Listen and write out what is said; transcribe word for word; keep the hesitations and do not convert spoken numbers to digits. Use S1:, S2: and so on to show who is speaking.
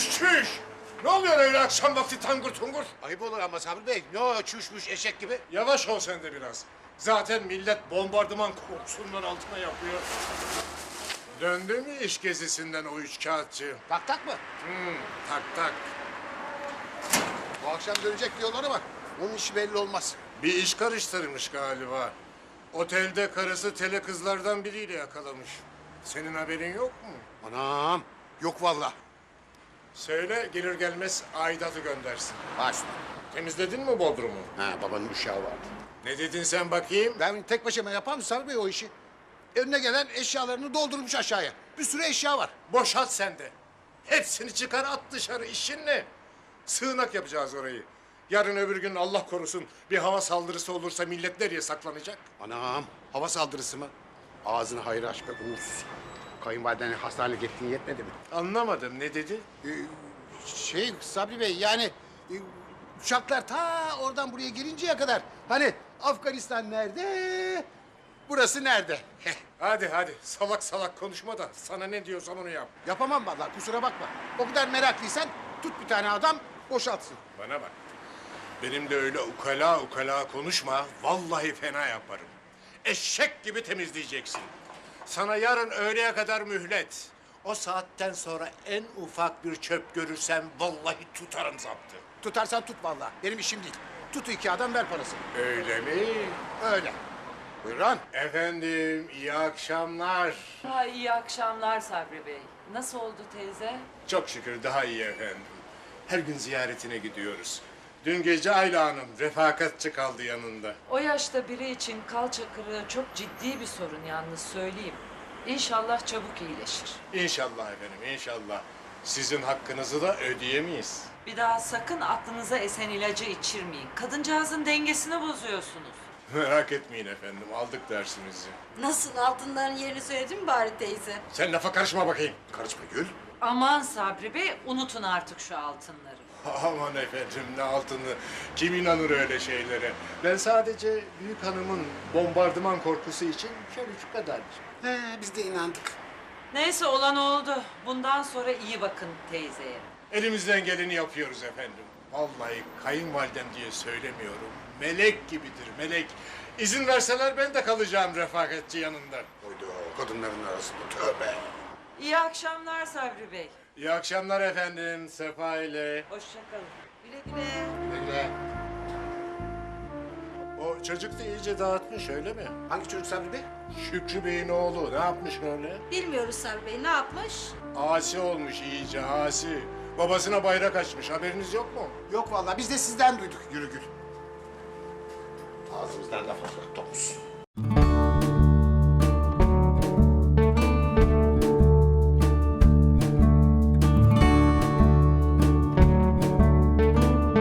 S1: Çüş çüş! Ne oluyor öyle akşam vakti tangır tungur?
S2: Ayıp olur ama Sabri Bey. Ne o çüşmüş eşek gibi?
S1: Yavaş ol sen de biraz. Zaten millet bombardıman kokusundan altına yapıyor. Döndü mü iş gezisinden o üç kağıtçı?
S2: Tak tak mı?
S1: Hmm, tak tak.
S2: Bu akşam dönecek diyorlar ama onun işi belli olmaz.
S1: Bir iş karıştırmış galiba. Otelde karısı tele kızlardan biriyle yakalamış. Senin haberin yok mu?
S2: Anam. Yok vallahi.
S1: Söyle gelir gelmez aidatı göndersin.
S2: Başla.
S1: Temizledin mi Bodrum'u?
S2: Ha babanın uşağı vardı.
S1: Ne dedin sen bakayım?
S2: Ben tek başıma yapar mı Sabri Bey o işi? Önüne gelen eşyalarını doldurmuş aşağıya. Bir sürü eşya var.
S1: Boşalt sen de. Hepsini çıkar at dışarı. İşin ne? Sığınak yapacağız orayı. Yarın öbür gün Allah korusun bir hava saldırısı olursa millet nereye saklanacak?
S2: Anam. Hava saldırısı mı? Ağzını hayır aç be uğursuz. Kayınvalideni hastaneye gittiğin yetmedi mi?
S1: Anlamadım. Ne dedi?
S2: Ee, şey Sabri Bey yani e, uçaklar ta oradan buraya gelinceye kadar hani Afganistan nerede? Burası nerede? Heh,
S1: Hadi hadi salak salak konuşma da sana ne diyorsam onu yap.
S2: yapamam vallahi kusura bakma. O kadar meraklıysan tut bir tane adam boşaltsın.
S1: Bana bak. Benim de öyle ukala ukala konuşma. Vallahi fena yaparım. Eşek gibi temizleyeceksin. Sana yarın öğleye kadar mühlet. O saatten sonra en ufak bir çöp görürsem vallahi tutarım zaptı.
S2: Tutarsan tut vallahi. Benim işim değil. Tut iki adam ver parasını.
S1: Öyle mi?
S2: Öyle. Buyurun.
S1: Efendim iyi akşamlar.
S3: Ha, iyi akşamlar Sabri Bey. Nasıl oldu teyze?
S1: Çok şükür daha iyi efendim. Her gün ziyaretine gidiyoruz. Dün gece Ayla Hanım refakatçi kaldı yanında.
S3: O yaşta biri için kalça kırığı çok ciddi bir sorun yalnız söyleyeyim. İnşallah çabuk iyileşir.
S1: İnşallah efendim inşallah. Sizin hakkınızı da ödeyemeyiz.
S3: Bir daha sakın aklınıza esen ilacı içirmeyin. Kadıncağızın dengesini bozuyorsunuz.
S1: Merak etmeyin efendim aldık dersimizi.
S4: Nasıl altınların yerini söyledin mi bari teyze?
S1: Sen lafa karışma bakayım.
S2: Karışma Gül.
S3: Aman Sabri Bey unutun artık şu altınları.
S1: Aman efendim ne altını. Kim inanır öyle şeylere? Ben sadece büyük hanımın bombardıman korkusu için şöyle şu kadar.
S2: He, biz de inandık.
S3: Neyse olan oldu. Bundan sonra iyi bakın teyzeye.
S1: Elimizden geleni yapıyoruz efendim. Vallahi kayınvalidem diye söylemiyorum. Melek gibidir melek. İzin verseler ben de kalacağım refakatçi yanında.
S2: Oydu kadınların arasında tövbe.
S3: İyi akşamlar Sabri Bey.
S1: İyi akşamlar efendim. Sefa ile.
S3: Hoşça kalın.
S4: Güle güle.
S2: Öyle.
S1: O çocuk da iyice dağıtmış öyle mi?
S2: Hangi çocuk Sabri Bey?
S1: Şükrü Bey'in oğlu ne yapmış öyle?
S4: Bilmiyoruz Sabri Bey ne yapmış?
S1: Asi olmuş iyice asi. Babasına bayrak açmış haberiniz yok mu?
S2: Yok vallahi biz de sizden duyduk yürü Gül. Ağzımızdan laf alacak domuz.